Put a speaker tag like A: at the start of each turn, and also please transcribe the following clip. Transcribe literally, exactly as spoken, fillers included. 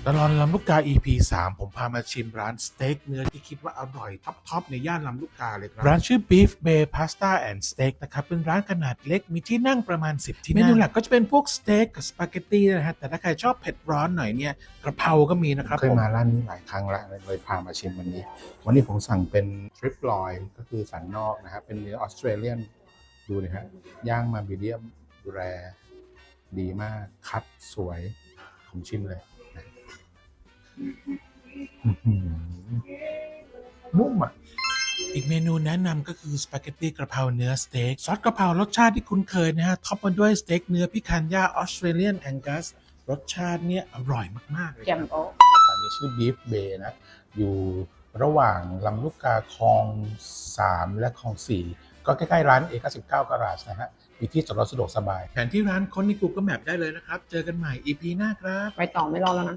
A: ตลอดลำลูกกา อี พี สาม ผมพามาชิมร้านสเต็กเนื้อที่คิดว่าอร่อยท็อปๆในย่านลำลูกกาเลยครับร้านชื่อ Beef Bay Pasta and Steak นะครับเป็นร้านขนาดเล็กมีที่นั่งประมาณสิบที่นั่งเมนูหลักก็จะเป็นพวกสเต็กกับสปาเกตตี้นะฮะแต่ถ้าใครชอบเผ็ดร้อนหน่อยเนี่ยกระเพราก็มีนะครับเคยมาร้านนี้หลายครั้งแล้วเลยพามาชิมวันนี้วันนี้ผมสั่งเป็นทริปลอยก็คือสันนอกนะครับเป็นเนื้อออสเตรเลียนดูเลยฮะย่างมามีเดียมแรร์ดีมากคัดสวยผมชิมเลยนุ่มอ่ะอีกเมนูแนะนำก็คือสปาเกตตี้กระเพราเนื้อสเต็กซอสกระเพรารสชาติที่คุ้นเคยนะฮะท็อปมาด้วยสเต็กเนื้อพิคันย่าออสเตรเลียนแองกัสรสชาติเนี่ยอร่อยมากๆเลยครับอันนี้ชื่อ Beef Bay นะอยู่ระหว่างลำลูกกาคลองสามและคลองสี่ก็ใกล้ๆร้านเอเก้าสิบเก้าการาจนะฮะมีที่จอดรถสะดวกสบายแผนที่ร้านค้นใน Google Map ได้เลยนะครับเจอกันใหม่ อี พี หน้าครับ
B: ไปต่อไม่รอแล้วนะ